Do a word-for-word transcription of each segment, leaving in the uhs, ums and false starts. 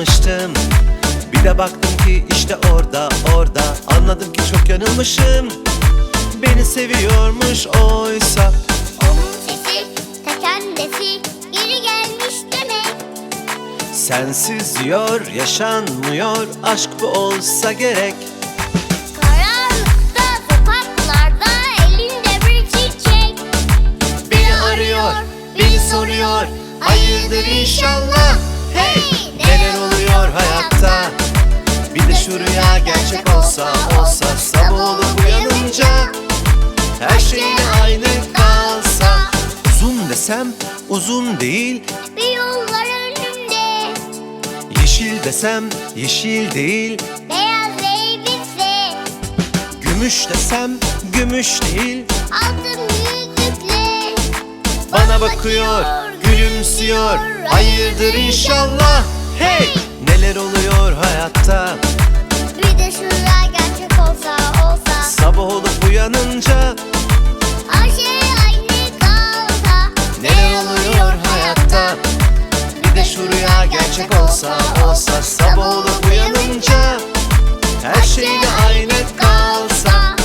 sanmıştım. Bir de baktım ki işte orada orada, anladım ki çok yanılmışım. Beni seviyormuş oysa. Onun sesi ta kendisi geri gelmiş demek. Sensiz diyor yaşanmıyor, aşk bu olsa gerek. Karanlıkta sokaklarda elinde bir çiçek. Beni arıyor, beni soruyor, hayırdır inşallah. Hey, neler oluyor hayatta? Bir de şu rüya gerçek olsa, olsa sabah olup uyanınca her şey yine aynı kalsa. Uzun desem uzun değil, Bir yollar önümde, yeşil desem yeşil değil, beyaz elbise, gümüş desem gümüş değil. altın yüzükle Bana bakıyor, gülümsüyor, hayırdır inşallah. Hey, neler oluyor hayatta? Bir de şu rüya gerçek olsa, olsa Sabah olup uyanınca her şey aynı kalsa. neler oluyor hayatta? Bir de şu rüya gerçek olsa, olsa sabah olup uyanınca her şey de aynı kalsa.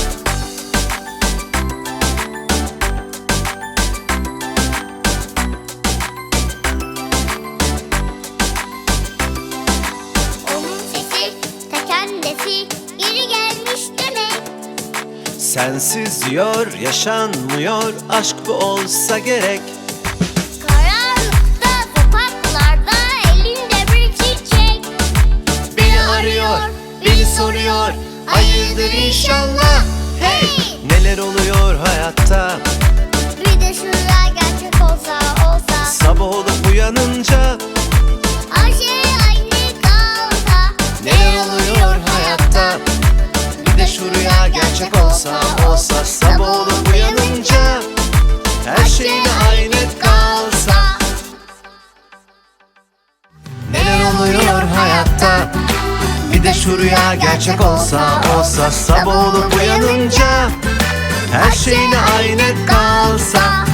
Onun sesi ta kendisi geri gelmiş demek. Sensiz diyor yaşanmıyor, aşk bu olsa gerek. Karanlıkta sokaklarda elinde bir çiçek. Beni arıyor, beni soruyor, hayırdır inşallah. Hey, neler oluyor hayatta? Bir de şu rüya gerçek olsa, olsa Sabah olup uyanınca her şey aynı kalsa. neler oluyor hayatta? Bir de şu rüya gerçek olsa, olsa sabah olup uyanınca her şey de aynı kalsa. Neler oluyor hayatta? Bir de şu rüya gerçek olsa, olsa sabah olup uyanınca her şey de aynı kalsa.